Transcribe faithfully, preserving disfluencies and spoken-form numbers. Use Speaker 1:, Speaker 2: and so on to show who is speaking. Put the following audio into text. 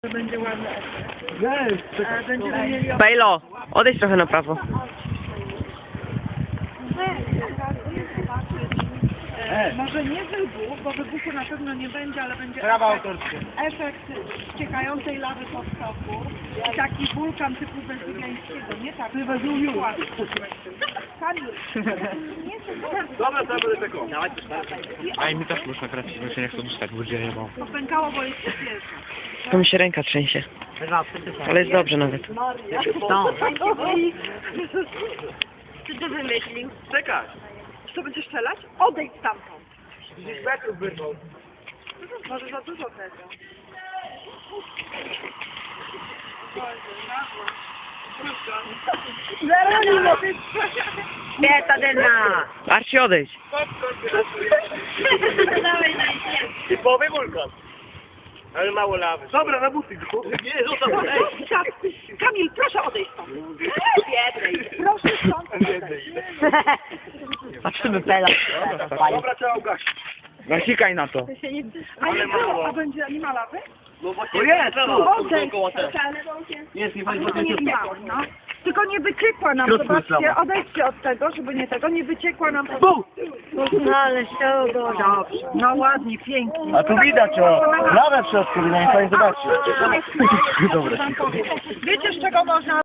Speaker 1: Będzie ładny efekt. A będziemy mieli...
Speaker 2: Bejlo, odejdź trochę na prawo.
Speaker 1: E, może nie wybuch, bo wybuchu na pewno nie będzie, ale będzie
Speaker 3: Prawa
Speaker 1: efekt,
Speaker 3: autorskie.
Speaker 1: efekt ściekającej lawy pod stoku. I taki wulkan typu Wezuwiańskiego, nie tak? Wezuwiu. Kamil.
Speaker 3: Dobra, to ja będę tego.
Speaker 4: A i mi też można grać, bo się nie chcę dostać, bo dzieje, bo...
Speaker 1: Popękało, bo jest świeżo.
Speaker 2: To mi się ręka trzęsie. Ale jest dobrze nawet.
Speaker 1: Czy ty wymyślił?
Speaker 3: Czekaj.
Speaker 1: Co będziesz strzelać? Odejdź stamtąd.
Speaker 3: dziesięć metrów wyrwał.
Speaker 1: Może za dużo tego. Zaraz
Speaker 2: Pietadyna! Arci, odejdź.
Speaker 3: Typowy wulkan. Ale mało lawy. Dobra, na buty go. Nie, zostaw. Ej,
Speaker 1: Tak, Kamil, proszę odejść stąd. Biednej. Proszę stąd odejść.
Speaker 2: Patrzymy pela.
Speaker 3: dobra, trzeba ugasić.
Speaker 4: Nasikaj na to.
Speaker 1: A nie było, a będzie, nie ma lawy?
Speaker 3: No właśnie, to jest,
Speaker 1: Odejdź.
Speaker 3: Jest, nie
Speaker 1: Tylko nie miało, no. Tylko nie wyciekła nam, zobaczcie, odejdźcie od tego, żeby nie tego, nie wyciekła nam. No ale się dobrze. No ładnie, pięknie.
Speaker 3: A tu widać o lawę w środku, nie fajnie zobaczyć.
Speaker 1: Wiecie, z czego można